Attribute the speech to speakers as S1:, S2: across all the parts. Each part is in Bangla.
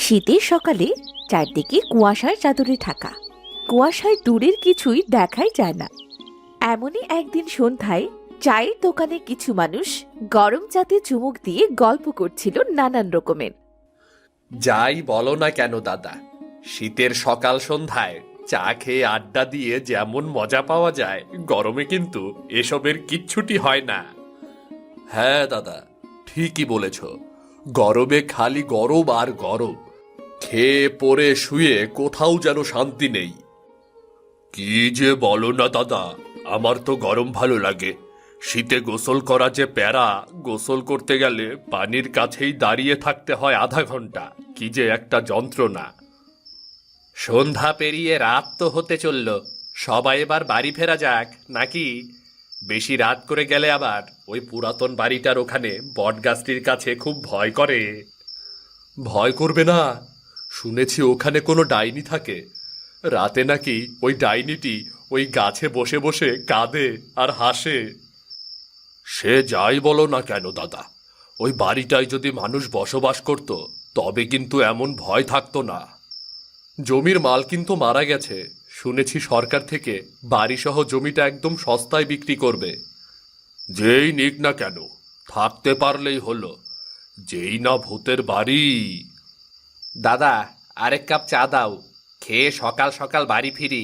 S1: শীতের সকালে চারদিকে কুয়াশার চাদরে ঢাকা। কুয়াশায় দূরের কিছুই দেখাই যায় না। এমনই একদিন সন্ধ্যায় চায়ের দোকানে কিছু মানুষ গরম চাতে চুমুক দিয়ে গল্প করছিল নানান রকমের।
S2: যাই বলো না কেন দাদা, শীতের সকাল সন্ধ্যায় চা খেয়ে আড্ডা দিয়ে যেমন মজা পাওয়া যায়, গরমে কিন্তু এসবের কিচ্ছুটি হয় না। হ্যাঁ দাদা, ঠিকই বলেছ। গরমে খালি গরম আর গরম, খেয়ে পরে শুয়ে কোথাও যেন শান্তি নেই। কি যে বলো না দাদা, আমার তো গরম ভালো লাগে। শীতে গোসল করা যে প্যারা, গোসল করতে গেলে পানির কাছেই দাঁড়িয়ে থাকতে হয় আধা ঘন্টা। কি যে একটা যন্ত্রণা। সন্ধ্যা পেরিয়ে রাত তো হতে চলল, সবাই এবার বাড়ি ফেরা যাক নাকি? বেশি রাত করে গেলে আবার ওই পুরাতন বাড়িটার ওখানে বটগাছটির কাছে খুব ভয় করে। ভয় করবে না, শুনেছি ওখানে কোনো ডাইনি থাকে। রাতে নাকি ওই ডাইনিটি ওই গাছে বসে বসে কাঁদে আর হাসে। সে যাই বলো না কেন দাদা, ওই বাড়িটায় যদি মানুষ বসবাস করত তবে কিন্তু এমন ভয় থাকতো না। জমির মালকিন তো মারা গেছে, শুনেছি সরকার থেকে বাড়িসহ জমিটা একদম সস্তায় বিক্রি করবে। যেই নিক না কেন, থাকতে পারলেই হলো। যেই না ভূতের বাড়ি। দাদা, আরেক কাপ চা দাও, খেয়ে সকাল সকাল বাড়ি ফিরি।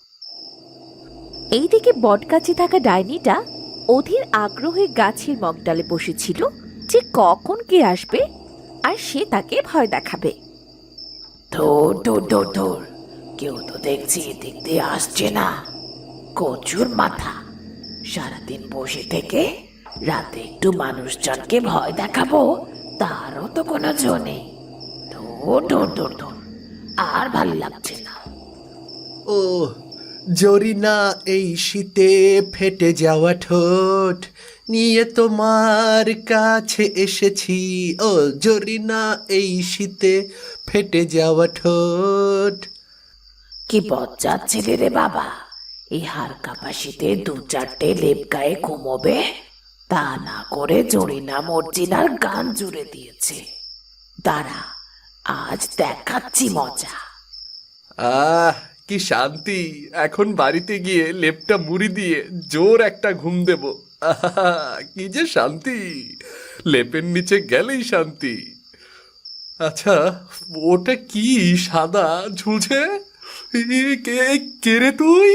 S1: এইদিকে বটগাছে থাকা ডাইনিটা অধীর আগ্রহে গাছের মগডালে বসেছিল যে কখন কে আসবে আর সে তাকে ভয় দেখাবে।
S3: ধুর ধুর ধুর ধুর, কেউ তো দেখছি এদিক দিয়ে আসছে না। কচুর মাথা, সারাদিন বসে থেকে রাতে একটু মানুষজনকে ভয় দেখাবো, তারও তো কোনো জো নেই। ধুর ধুর ধুর ধুর, আর ভালো লাগছে না।
S4: ও জরিনা, এই শীতে ফেটে যাওয়া ঠোঁট নিয়ে তোমার কাছে এসেছি। ও জরিনা, এই শীতে ফেটে যাওয়া ঠোঁট।
S3: কি বজ্জাত ছেলে রে বাবা, এই হাড় কাঁপা শীতে দু চারটে লেপ গায়ে ঘুমোবে, তা না করে জরিনা মর্জিনার গান জুড়ে দিয়েছে। দাঁড়া, আজ দেখাচ্ছি মজা।
S2: আহ, কি শান্তি! এখন বাড়িতে গিয়ে লেপটা মুড়ি দিয়ে জোর একটা ঘুম দেব। আহা, কি যে শান্তি! লেপের নিচে গেলেই শান্তি। আচ্ছা, ওটা কি সাদা ঝুলছে? কে কে রে তুই?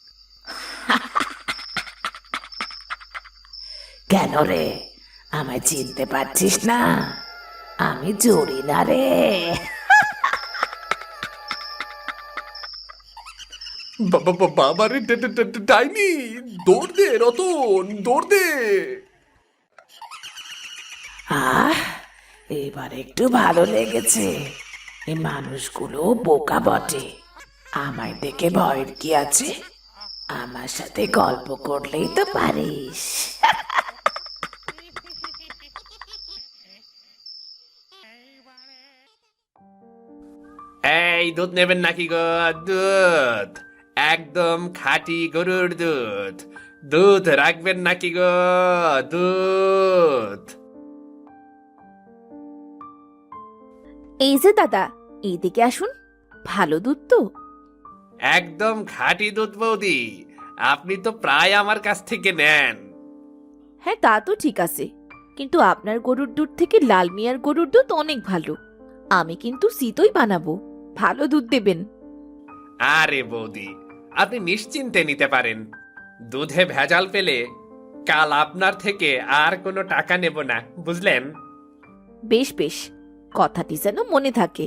S3: কেন রে, আমায় চিনতে পারছিস না? আমি জরিনা রে।
S2: বাবারে, ডাইনি! দৌড় দে রতন, দৌড় দে!
S3: আহ, এবার একটু ভালো লেগেছে। এই মানুষগুলো বোকা বটে, আমায় দেখে ভয়ের কি আছে? আমার সাথে গল্প করলেই তো পারিস।
S2: এই দুধ নেবেন নাকি গো? দুধ একদম খাঁটি গরুর দুধ। দুধ রাখবেন নাকি গো? দুধ।
S1: এই যে দাদা, এইদিকে আসুন, ভালো দুধ তো।
S2: একদম খাঁটি দুধ বৌদি, আপনি তো প্রায় আমার কাছ থেকে নেন।
S1: হ্যাঁ, তা তো ঠিক আছে, কিন্তু আপনার গরুর দুধ থেকে লাল মিয়ার গরুর দুধ অনেক ভালো। আমি কিন্তু শীতই বানাবো, ভালো দুধ দেবেন।
S2: আরে বৌদি, আপনি নিশ্চিন্তে নিতে পারেন। দুধে ভেজাল পেলে কাল আপনার থেকে আর কোনো টাকা নেব না, বুঝলেন?
S1: বেশ বেশ, কথাটি যেন মনে থাকে।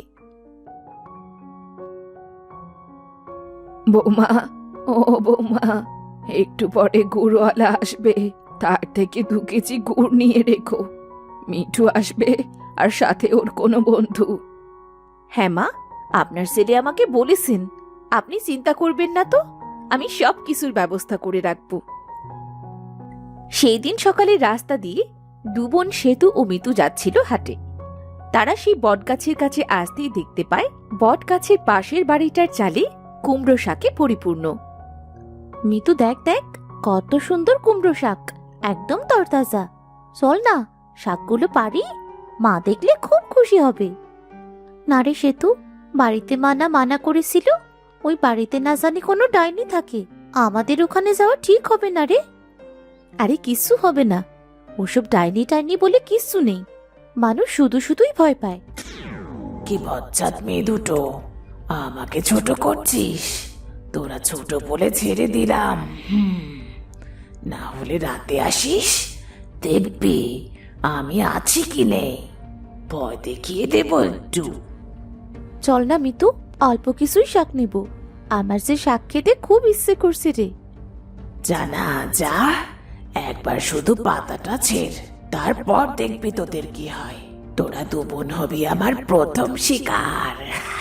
S1: বৌমা, ও বৌমা, একটু পরে গুড়ওয়ালা আসবে, তার থেকে 2 কেজি গুড় নিয়ে রেখো। মিঠু আসবে আর সাথে ওর কোনো বন্ধু। হ্যাঁ মা, আপনার ছেলে আমাকে বলেছেন, আপনি চিন্তা করবেন না তো, আমি সব কিছুর ব্যবস্থা করে রাখব। সেই দিন সকালে রাস্তা দিয়ে 2 বোন সেতু ও মিতু যাচ্ছিল হাটে। তারা সেই বটগাছের কাছে আসতেই দেখতে পায় বটগাছের পাশের বাড়িটার চালে কুমড়ো শাকে পরিপূর্ণ। মিতু, দেখ দেখ, কত সুন্দর কুমড়ো শাক, একদম তরতাজা। চল না, শাকগুলো পারি, মা দেখলে খুব খুশি হবে।
S5: না রে সেতু, বাড়িতে মানা মানা করেছিল, ওই বাড়িতে না জানি কোনো ডাইনি থাকে, আমাদের ওখানে যাওয়া ঠিক হবে না রে। আরে কিচ্ছু হবে না, ওসব ডাইনি টাইনি বলে কিচ্ছু নেই, মানুষ শুধু শুধুই ভয় পায়।
S3: কি বজ্জাত মেয়ে দুটো, আমাকে ছোট করছিস? তোরা ছোট বলে ছেড়ে দিলাম। না হলে রাতে আসিস, দেখবি আমি আছি কি নেই, ভয় দেখিয়ে দেবো একটু।
S5: চল না মিতু, অল্প কিছুই শাক নিব, আমার যে শাক খেতে খুব ইচ্ছে করছে রে।
S3: জানা যা, একবার শুধু পাতাটা ছেড়, তারপর দেখবি তোদের কি হয়। তোরা দু বোন হবি আমার প্রথম শিকার।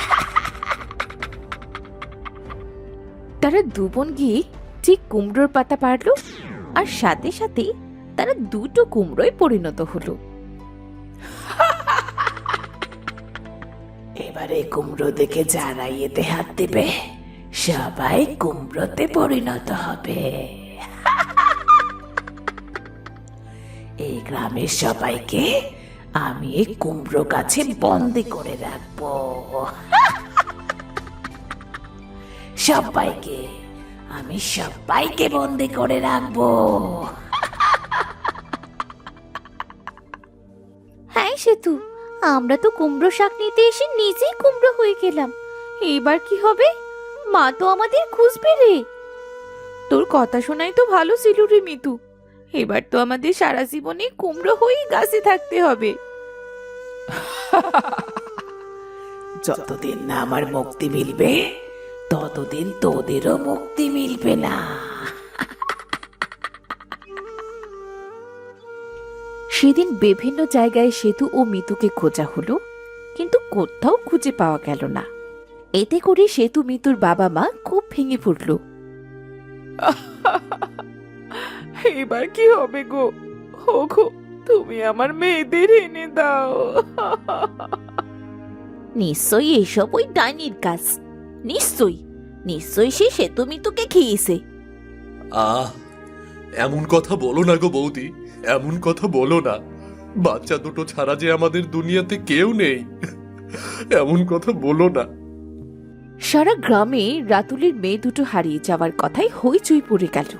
S5: তারা দু বোন গিয়ে ঠিক কুমড়োর পাতা পারলো, আর সাথে সাথে তারা দুটো কুমড়োয় পরিণত হলো।
S3: এবারে কুমড়ো দেখে যারা এতে হাত দেবে, সবাই কুমড়োতে পরিণত হবে। এই গ্রামের সবাইকে আমি এই কুমড়ো গাছে বন্দি করে রাখবো। সবাইকে বন্দি করে রাখবো।
S5: হ্যাঁ সেতু, আমরা তো কুমড়ো শাক নিতে এসে নিজেই কুমড়ো হয়ে গেলাম, এবার কি হবে? মা তো আমাদের খুঁজবে রে।
S1: তোর কথা শোনাই তো ভালো ছিল রে মিতু, এবার তো আমাদের সারা জীবনে কুমড়ো হয়েই গাছে থাকতে হবে।
S3: যতদিন না আমার মুক্তি মিলবে, ততদিন তোদেরও মুক্তি মিলবে না।
S5: সেদিন বিভিন্ন জায়গায় সেতু ও মিতুকে খোঁজা হলো, কিন্তু কোথাও খুঁজে পাওয়া গেল না। এতে করে সেতু মিতুর বাবা মা খুব ভেঙে পড়ল।
S1: এবার কি হবে গো? ওগো, তুমি আমার মেয়েদের এনে দাও।
S5: নিশ্চয়ই এসব ওই ডাইনির কাজ, নিশ্চয়ই সে সেতু মিতুকে খেয়েছে।
S2: এমন কথা বলো না গো বৌদি, এমন কথা বলো না। বাচ্চা দুটো ছাড়া যে আমাদের দুনিয়াতে কেউ নেই, এমন কথা বলো না।
S5: সারা গ্রামে রাতুলের মেয়ে দুটো হারিয়ে যাওয়ার কথাই হইচই পড়ে গেল।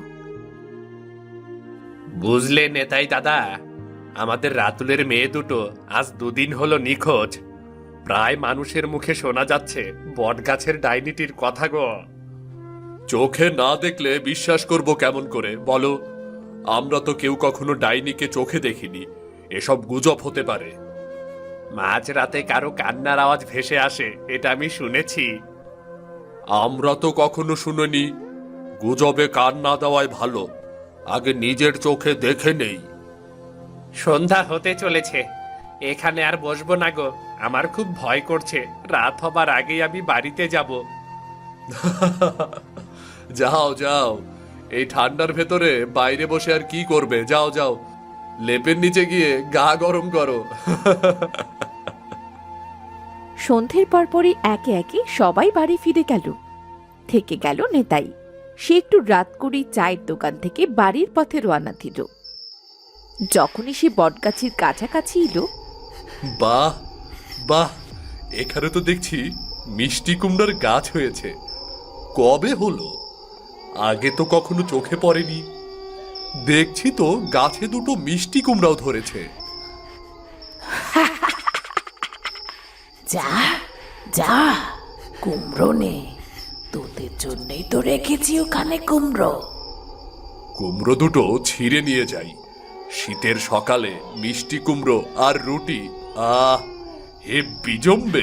S2: বুঝলে নেতাই দাদা, আমাদের রাতুলের মেয়ে দুটো আজ দুদিন হলো নিখোঁজ। প্রায় মানুষের মুখে শোনা যাচ্ছে বটগাছের ডাইনিটির কথা গো। চোখে না দেখলে বিশ্বাস করব কেমন করে বলো? আমরা তো কেউ কখনো ডাইনিকে চোখে দেখিনি, এসব গুজব হতে পারে। মাঝরাতে কারো কান্নার আওয়াজ ভেসে আসে, এটা আমি শুনেছি। আমরা তো কখনো শুনিনি। গুজবে কান না দেওয়াই ভালো, আগে নিজের চোখে দেখে নেই। সন্ধ্যা হতে চলেছে, এখানে আর বসবো না গো, আমার খুব ভয় করছে। রাত হবার আগেই আমি বাড়িতে যাব। যাও যাও, এই ঠান্ডার ভেতরে বাইরে বসে আর কি করবে? যাও যাও, লেপের নিচে গিয়ে গা গরম করো।
S5: সন্ধ্যের পরপরই একে একে সবাই বাড়ি ফিরে গেল। থেকে গেল নেতাই, সে একটু রাত করেই চায়ের দোকান থেকে বাড়ির পথে রওনা দিল। যখনই সে বটগাছের কাছাকাছি এলো,
S2: বাহ বাহ, এখানে তো দেখছি মিষ্টি কুমড়ার গাছ হয়েছে। কবে হলো? আগে তো কখনো চোখে পড়েনি। দেখছি তো গাছে দুটো মিষ্টি কুমড়াও ধরেছে।
S3: যা যা, কুমড়ো নে, তোদের জন্যই তো রেখেছি ওখানে কুমড়ো।
S2: কুমড়ো দুটো ছিঁড়ে নিয়ে যাই। শীতের সকালে মিষ্টি কুমড়ো আর রুটি, আহ হেব্বি জমবে।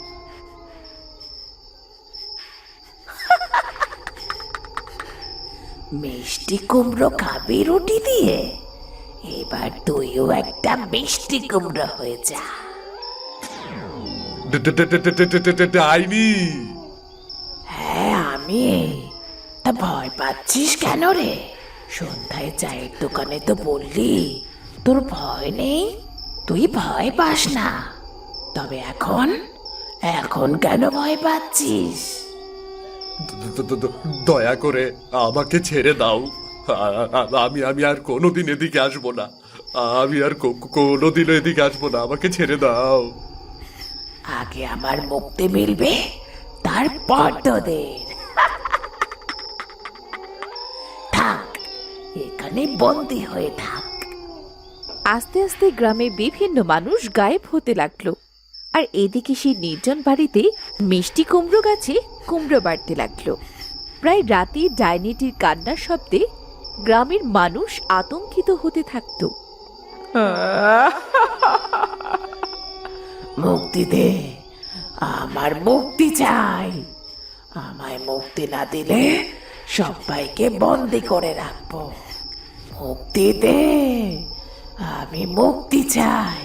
S3: মিষ্টি কুমড়ো খাবি রুটি দিয়ে? এবার তুইও একটা মিষ্টি কুমড়ো হয়ে যা।
S2: ডাইনি!
S3: হ্যাঁ আমি। তা ভয় পাচ্ছিস কেন রে? সন্ধ্যায় চায়ের দোকানে তো বললি তোর ভয় নেই, তুই ভয় পাস না। তবে এখন এখন কেন ভয় পাচ্ছিস?
S2: দয়া করে আমাকে ছেড়ে দাও। আমি আমি আর কোনোদিন এদিকে আসবো না। আমি আর কোনোদিন এদিকে আসবো না, আমাকে ছেড়ে দাও।
S3: আগে আমার মুক্তি মিলবে, তারপর তোদের। থাক, এখানে বন্দি হয়ে থাক।
S5: আস্তে আস্তে গ্রামে বিভিন্ন মানুষ গায়েব হতে লাগলো, আর এদিকে সেই নির্জন বাড়িতে মিষ্টি কুমড়ো গাছে কুমড়ো বাড়তে লাগলো। প্রায় রাতে ডাইনিটির কান্নার শব্দে গ্রামের মানুষ আতঙ্কিত হতে থাকতো।
S3: মুক্তি দে, আমার মুক্তি চাই। আমায় মুক্তি না দিলে সবাইকে বন্দি করে রাখবো। মুক্তি দে, আমি মুক্তি চাই।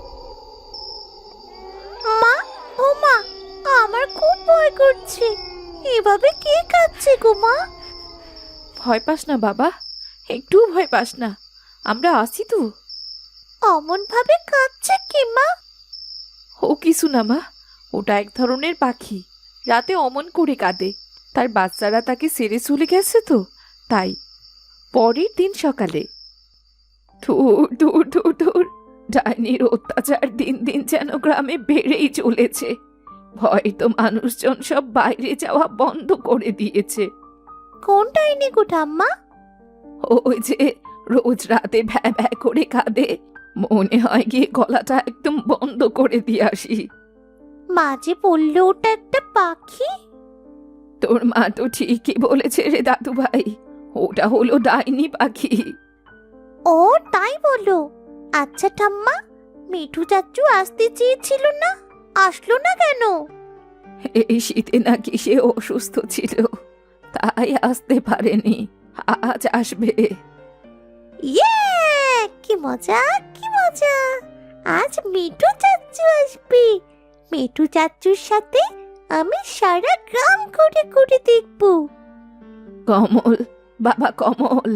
S5: মা, ও মা, আমার খুব ভয় করছে। এভাবে কে কাঁদছে গো মা? ভয় পাস না বাবা, একটু ভয় পাস না, আমরা আছি তো। অমন ভাবে কাঁদছে কি মা? ও কিছু না মা, ওটা এক ধরনের পাখি, রাতে অমন করে কাঁদে। তার বাচ্চারা তাকে ছেড়ে চলে গেছে তো, তাই। পরের দিন সকালে
S1: ধুর ধুর ধুর ধুর, ডাইনির অত্যাচার দিন দিন যেন গ্রামে বেড়েই চলেছে। ভয় তো মানুষজন সব বাইরে যাওয়া বন্ধ করে দিয়েছে।
S5: কোন ডাইনি গো ঠাম্মা?
S1: ওই যে রোজ রাতে ভ্যা ভ্যা করে কাঁদে, মনে হয় গিয়ে গলাটা একদম বন্ধ করে দিয়ে আসি।
S5: মা যে বললো ওটা একটা পাখি।
S1: তোর মা তো ঠিকই বলেছে রে দাদু ভাই, ওটা হলো ডাইনি পাখি।
S5: ও তাই বলো? আচ্ছা ঠাম্মা, মিঠু চাচু আসতে চেয়েছিল না, আসলো না কেন?
S1: এই শীতে নাকি সে অসুস্থ ছিল, তাই আসতে পারেনি, আজ আসবে।
S5: ইয়ে, কি মজা কি মজা! আজ মিঠু চাচু আসবে। মিঠু চাচুর সাথে আমি সারা গ্রাম ঘুরে ঘুরে দেখব।
S1: কমল, বাবা কমল।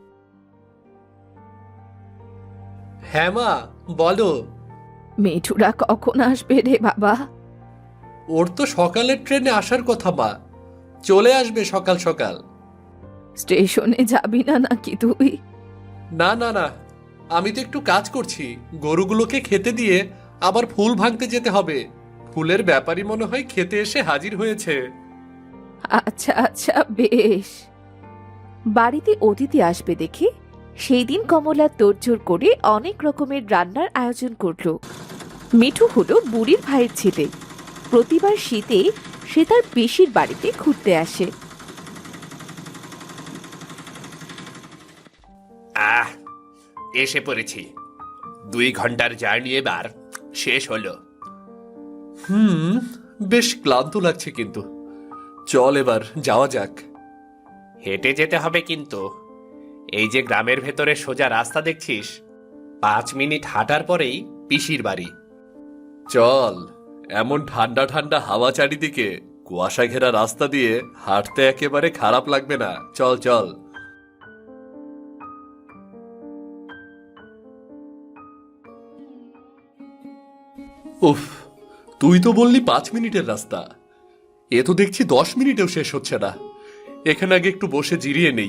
S4: হ্যাঁ মা, বলো।
S1: মিঠুরা কখন আসবে রে বাবা?
S4: ওর তো সকালের ট্রেনে আসার কথা মা, চলে আসবে সকাল সকাল।
S1: স্টেশনে যাবি না নাকি তুই?
S4: না না না, আমি তো একটু কাজ করছি, গরুগুলোকে খেতে দিয়ে আবার ফুল ভাঙতে যেতে হবে। ফুলের ব্যাপারই মনে হয় খেতে এসে হাজির হয়েছে।
S1: আচ্ছা আচ্ছা, বেশ।
S5: বাড়িতে অতিথি আসবে দেখে সেই দিন কমলা তোড়জোড় করে অনেক রকমের রান্নার আয়োজন করলো। মিঠু হলো বুড়ির ভাইয়ের ছেলে। প্রতিবার শীতে সে তার পিসির বাড়িতে ঘুরতে আসে।
S2: আহ, এসে পড়েছি। 2 ঘন্টার জার্নি এবার শেষ হলো।
S4: বেশ ক্লান্ত লাগছে, কিন্তু চল এবার যাওয়া যাক।
S2: হেঁটে যেতে হবে কিন্তু। এই যে গ্রামের ভেতরে সোজা রাস্তা দেখছিস, 5 মিনিট হাঁটার পরেই পিসির বাড়ি।
S4: চল, এমন ঠান্ডা ঠান্ডা হাওয়া চারিদিকে, কুয়াশা ঘেরা রাস্তা দিয়ে হাঁটতে একেবারে খারাপ লাগবে না। চল চল। উফ, তুই তো বললি 5 মিনিটের রাস্তা, এ তো দেখছি 10 মিনিটেও শেষ হচ্ছে না। এখানে আগে একটু বসে জিরিয়ে নেই।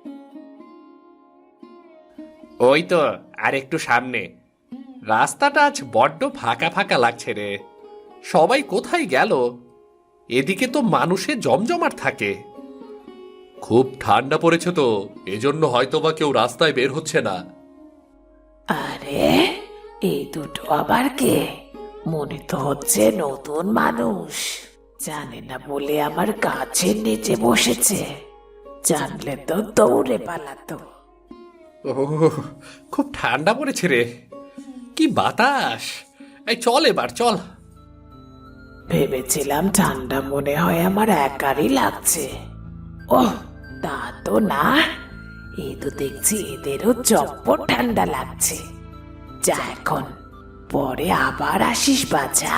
S2: ওই তো আর একটু সামনে। রাস্তাটা আজ বড্ড ফাঁকা ফাঁকা লাগছে রে। সবাই কোথায় গেল? এদিকে তো মানুষে জমজমাট থাকে।
S4: খুব ঠান্ডা পড়েছে তো, এজন্য হয়তোবা কেউ রাস্তায় বের হচ্ছে না।
S3: আরে, এই দুটো আবার কে? মনে তো হচ্ছে নতুন মানুষ। জানে না বলে আমার গাছের নিচে বসেছে, জানলে তো দৌড়ে পালাতো।
S2: ওহ, খুব ঠান্ডা পড়েছে রে। কি বাতাস! এই চল এবার চল।
S3: ভেবেছিলাম ঠান্ডা মনে হয় আমার একারই লাগছে। ওহ, তা তো না, এই তো দেখছি এদেরও চপ্পর ঠান্ডা লাগছে। যা এখন, পরে আবার আসিস বাছা।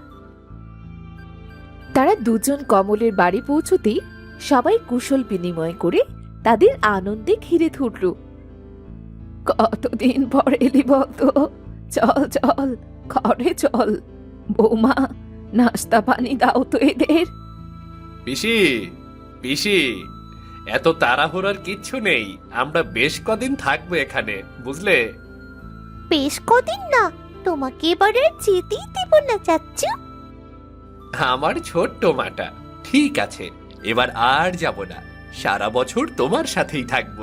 S5: তারা দুজন কমলের বাড়ি পৌঁছতেই সবাই কুশল বিনিময় করে তাদের আনন্দে ঘিরে ধরল।
S1: কতদিন পর এলি বলতো? চল চল, ঘরে চল। বৌমা, নাস্তা পানি দাও তো এদের।
S2: পিসি, পিসি, এত তাড়াহুড়ার কিচ্ছু নেই। আমরা বেশ কদিন থাকবো এখানে, বুঝলে?
S5: বেশ কদিন না, তোমাকে এবারে যেতেই দেব না চাচ্চু।
S2: আমার ছোট্ট মাটা, ঠিক আছে, এবার আর যাব না, সারা বছর তোমার সাথেই থাকবো।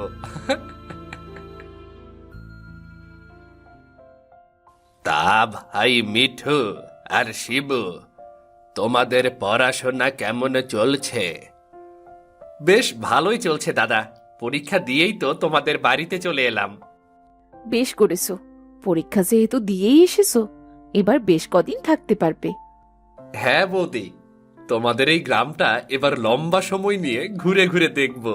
S2: তা ভাই মিঠু আর শিবু, তোমাদের পড়াশোনা কেমন চলছে? বেশ ভালোই চলছে দাদা, পরীক্ষা দিয়েই তো তোমাদের বাড়িতে চলে এলাম।
S1: বেশ করেছো, পরীক্ষা যেহেতু দিয়েই এসেছো, এবার বেশ কদিন থাকতে পারবে।
S2: হ্যাঁ বৌদি, তোমাদের এই গ্রামটা এবার লম্বা সময় নিয়ে ঘুরে ঘুরে দেখব।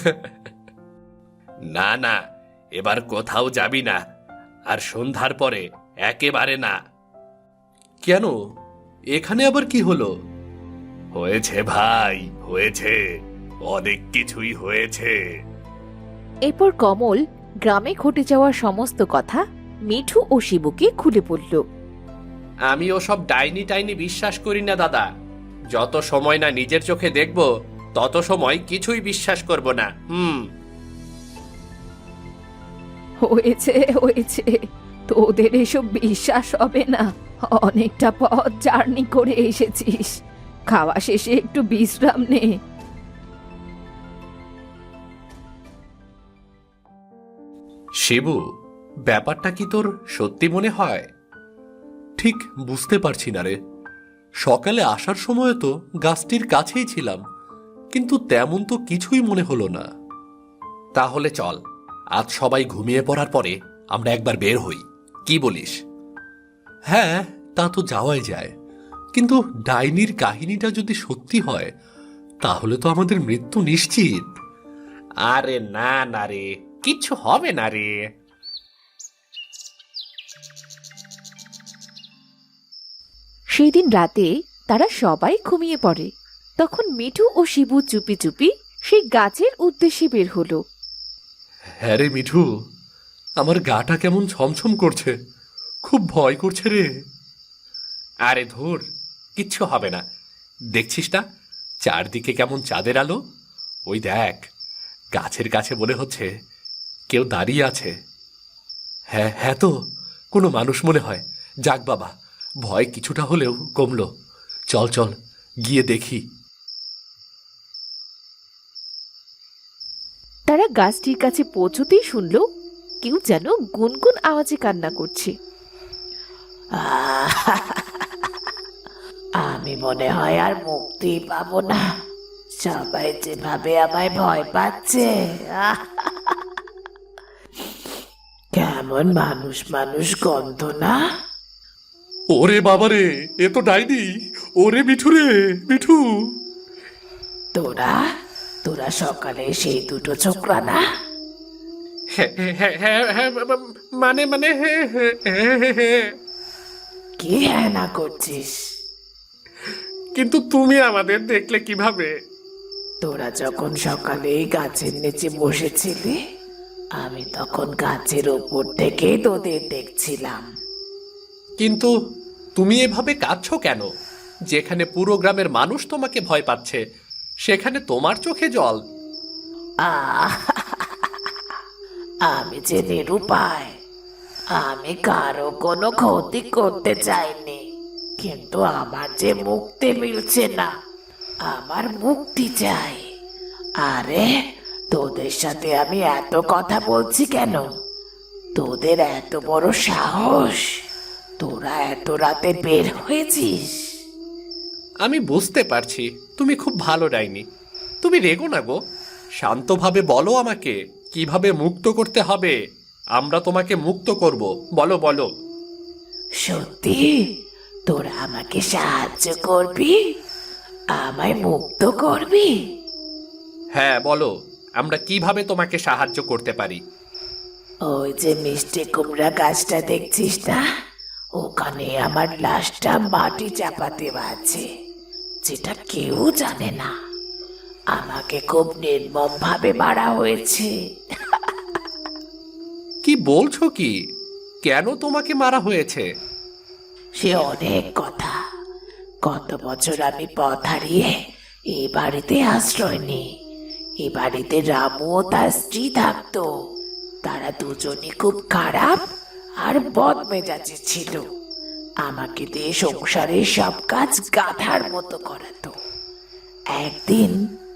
S2: না না, এবার কোথাও যাবি না, আর সন্ধ্যার পরে একেবারে না।
S4: কেন, এখানে আবার কি হলো?
S2: হয়েছে ভাই, হয়েছে, অনেক কিছুই হয়েছে।
S1: এরপর কমল গ্রামে ঘটে যাওয়া সমস্ত কথা মিঠু ও শিবুকে খুলে বলল।
S2: আমি ওসব ডাইনি টাইনি বিশ্বাস করি না দাদা, যত সময় না নিজের চোখে দেখব তত সময় কিছুই বিশ্বাস করব না।
S1: হয়েছে হয়েছে, তোদের এসব বিশ্বাস হবে না। অনেকটা পথ জার্নি করে এসেছিস, খাওয়া শেষে একটু বিশ্রাম নে।
S2: শিবু, ব্যাপারটা কি তোর সত্যি মনে হয়?
S4: ঠিক বুঝতে পারছি না রে। সকালে আসার সময় তো গাছটির কাছেই ছিলাম, কিন্তু তেমন তো কিছুই মনে হলো না।
S2: তাহলে চল, আজ সবাই ঘুমিয়ে পড়ার পরে আমরা একবার বের হই, কি বলিস?
S4: হ্যাঁ, তা তো যাওয়াই যায়, কিন্তু ডাইনির কাহিনীটা যদি সত্যি হয় তাহলে তো আমাদের মৃত্যু নিশ্চিত।
S2: আরে না না রে, কিচ্ছু হবে না রে।
S1: সেই দিন রাতে তারা সবাই ঘুমিয়ে পড়ে। তখন মিঠু ও শিবু চুপি চুপি সেই গাছের উদ্দেশ্যে বের হলো।
S4: হ্যাঁ রে মিঠু, আমার গাটা কেমন ছমছম করছে, খুব ভয় করছে রে।
S2: আরে ধুর, কিচ্ছু হবে না, দেখছিস না চারদিকে কেমন চাঁদের আলো? ওই দেখ, গাছের কাছে মনে হচ্ছে কেউ দাঁড়িয়ে আছে।
S4: হ্যাঁ হ্যাঁ, তো কোনো মানুষ মনে হয়। যাক বাবা, ভয় কিছুটা হলেও কমলো। চল চল, গিয়ে দেখি।
S1: তারা গাছটির কাছে পৌঁছতেই শুনল কেউ যেন গুনগুন আওয়াজে কান্না করছে।
S3: আমি মনে হয় আর মুক্তি পাবো না, সবাই যেভাবে আমায় ভয় পাচ্ছে। কেমন মানুষ মানুষ গন্ধ না?
S4: ওরে বাবারে, এ তো ডাইনি। ওরে মিঠু রে, মিঠু।
S3: তোরা তোরা সকালে সেই দুটো ছোকরা না?
S2: হ্যাঁ হ্যাঁ হ্যাঁ হ্যাঁ, মানে মানে হ্যাঁ হ্যাঁ হ্যাঁ হ্যাঁ হ্যাঁ।
S3: কি হ্যাঁ না করছিস?
S2: কিন্তু তুমি আমাদের দেখলে কিভাবে?
S3: তোরা যখন সকালে গাছের নিচে বসেছিলি, আমি তখন গাছের ওপর থেকে তোদের দেখছিলাম।
S2: কিন্তু তুমি এভাবে কাঁদছো কেন? যেখানে পুরো গ্রামের মানুষ তোমাকে ভয় পাচ্ছে, সেখানে তোমার চোখে জল।
S3: আহ! আমি যে নিরুপায়, আমি কারো কোনো ক্ষতি করতে চাইনি, কিন্তু আমার যে মুক্তি মিলছে না, আমার মুক্তি চাই। আরে, তোদের সাথে আমি এত কথা বলছি কেন? তোদের এত বড় সাহস, তোরা এত রাতে বের হয়েছিস?
S2: আমি বুঝতে পারছি তুমি খুব ভালো ডাইনি, তুমি রেগো না গো, শান্তভাবে বলো আমাকে কিভাবে মুক্ত করতে হবে। আমরা তোমাকে মুক্ত করব, বলো বলো।
S3: সত্যি তোরা আমাকে সাহায্য করবি? আমায় মুক্ত করবি?
S2: হ্যাঁ বলো, আমরা কিভাবে তোমাকে সাহায্য করতে পারি?
S3: ওই যে মিষ্টি কুমড়া গাছটা দেখছিস না, ওখানে আমার লাশটা মাটি চাপাতে আছে, যেটা কেউ জানে না। আমাকে খুব নির্মম ভাবে মারা হয়েছে।
S2: কি বলছো কি? কেন তোমাকে মারা হয়েছে?
S3: সে অনেক কথা। কত বছর আমি পথ হারিয়ে এই বাড়িতে আশ্রয় নিই। এই বাড়িতে রামু ও তার স্ত্রী থাকতো। তারা দুজনই খুব খারাপ আর বদমেজাজি ছিল। আমাকে দিয়ে সংসারের সব কাজ গাধার মতো করাতো। একদিন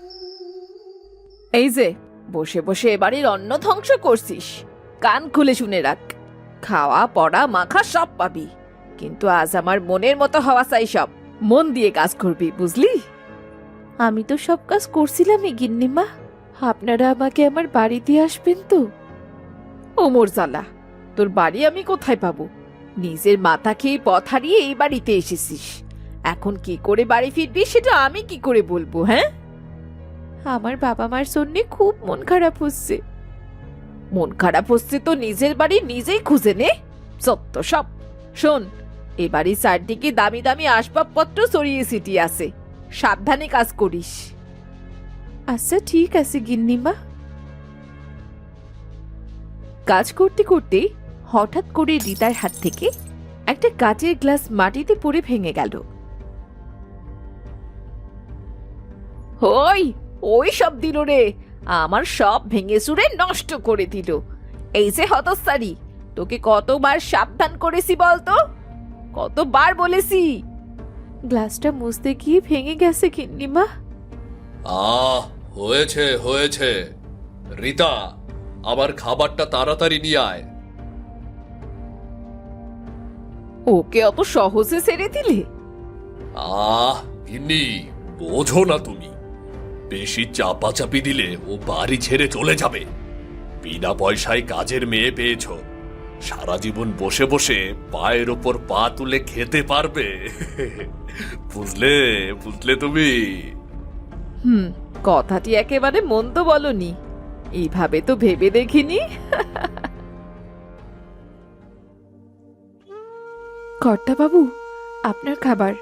S1: এই যে বসে বসে এবারের অন্ন ধ্বংস করছিস, কান খুলে শুনে রাখ। খাওয়া পড়া মাখা সব পাবি, কিন্তু আজ আমার মনের মতো হওয়া চাই। সব মন দিয়ে কাজ করবি, বুঝলি? আমি তো সব কাজ করছিলামই গিন্নিমা। আপনারা আমাকে আমার বাড়িতে আসবেন তো? ওমর জালা, তোর বাড়ি আমি কোথায় পাবো? নিজের মাথা খেয়ে পথ হারিয়ে এই বাড়িতে এসেছিস, এখন কি করে বাড়ি ফিরবি সেটা আমি কি করে বলবো? হ্যাঁ, আমার বাবা মার জন্যে খুব মন খারাপ হচ্ছে। মন খারাপ হচ্ছে তো নিজের বাড়ি নিজেই খুঁজে নে। সত্য সব। শোন, এ বাড়ির চারদিকে দামি দামি আসবাবপত্র ছড়িয়ে ছিটিয়ে আছে, সাবধানে কাজ করিস। আচ্ছা ঠিক আছে গিন্নিমা। কাজ করতে করতে হঠাৎ করে রিতার হাত থেকে একটা কাচের গ্লাস মাটিতে পড়ে ভেঙে গেল। ওই সব দিল রে, আমার সব ভেঙে চুরে নষ্ট করে দিল। এই যে হতচ্ছাড়ি, তোকে কতবার সাবধান করেছি বলতো, কতবার বলেছি। গ্লাসটা মুছতে গিয়ে ভেঙে গেছে গিন্নিমা।
S2: হয়েছে হয়েছে। রিতা, আমার খাবারটা তাড়াতাড়ি নিয়ে আয়।
S1: ওকে অত সহজে ছেড়ে দিলে?
S2: গিন্নি, বোঝো না তুমি, বেশি চাপাচাপি দিলে ও বাড়ি ছেড়ে চলে যাবে। বিনা পয়সায় কাজের মেয়ে পেয়েছ, সারা জীবন বসে বসে পায়ের ওপর পা তুলে খেতে পারবে। বুঝলে বুঝলে তুমি?
S1: কথাটি একেবারে মন্দ বলনি, এইভাবে তো ভেবে দেখিনি। কর্তা বাবু, আপনার খাবার।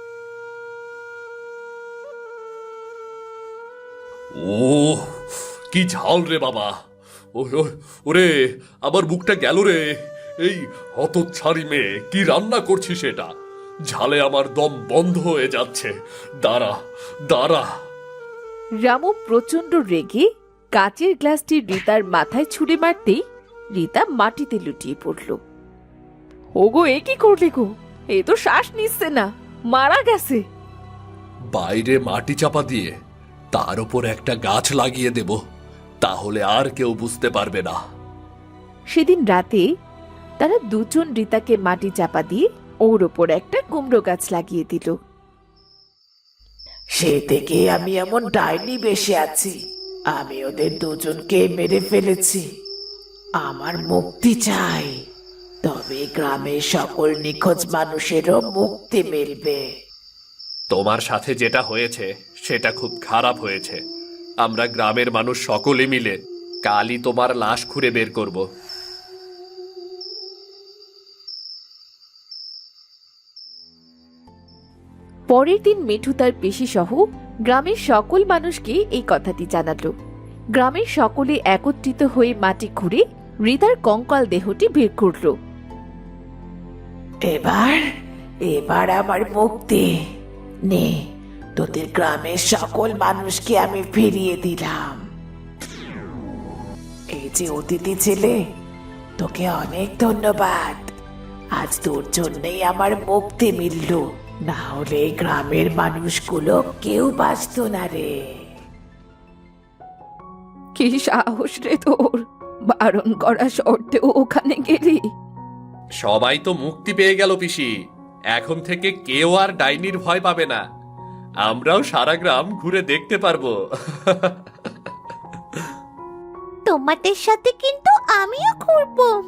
S2: ও কি ঝাল রে বাবা! ওরে, আমার মুখটা গেল রে। এই হতচ্ছাড়ি মেয়ে কি রান্না করছিস এটা? ঝালে আমার দম বন্ধ হয়ে যাচ্ছে। দাঁড়া দাঁড়া।
S1: রামু প্রচন্ড রেগে কাচের গ্লাসটি রিতার মাথায় ছুঁড়ে মারতেই রিতা মাটিতে লুটিয়ে পড়ল। ওগো, এ কি করলে গো? এ তো শ্বাস নিচ্ছে না, মারা গেছে।
S2: বাইরে মাটি চাপা দিয়ে তার উপর একটা গাছ লাগিয়ে দেব, তাহলে আর কেউ বুঝতে পারবে না।
S1: সেদিন রাতে তারা দুজন রিতাকে মাটি চাপা দিয়ে ওর ওপর একটা কুমড়ো গাছ লাগিয়ে দিল।
S3: সে থেকে আমি এমন ডাইনি বেশি আছি। আমি ওদের দুজনকে মেরে ফেলেছি। আমার মুক্তি চাই, তবে গ্রামের সকল নিখোঁজ মানুষেরও মুক্তি মিলবে।
S2: তোমার সাথে যেটা হয়েছে সেটা খুব খারাপ হয়েছে। আমরা গ্রামের মানুষ সকলে মিলে কালই তোমার লাশ খুঁড়ে বের করব।
S1: পরের দিন মিঠু তার পেশি সহ গ্রামের সকল মানুষকে এই কথাটি জানালো। গ্রামের সকলে একত্রিত হয়ে মাটি খুঁড়ে রিতার কঙ্কাল দেহটি বের করলো।
S3: এবার এবার আমার মুক্তি নে, তোদের গ্রামের সকল মানুষকে আমি ফিরিয়ে দিলাম। এই যে অতিথি ছেলে, তোকে অনেক ধন্যবাদ। আজ তোর জন্যই আমার মুক্তি মিলল, না হলে এই গ্রামের মানুষগুলো কেউ বাঁচত না রে।
S1: কি সাহস রে তোর, বারণ করা সত্ত্বেও ওখানে গেলি?
S2: সবাই তো মুক্তি পেয়ে গেল পিসি, এখন থেকে কেউ আর ডাইনির ভয় পাবে না। আমরাও সারা গ্রাম ঘুরে দেখতে পারবো।
S5: তোমাদের সাথে কিন্তু আমিও ঘুরবো।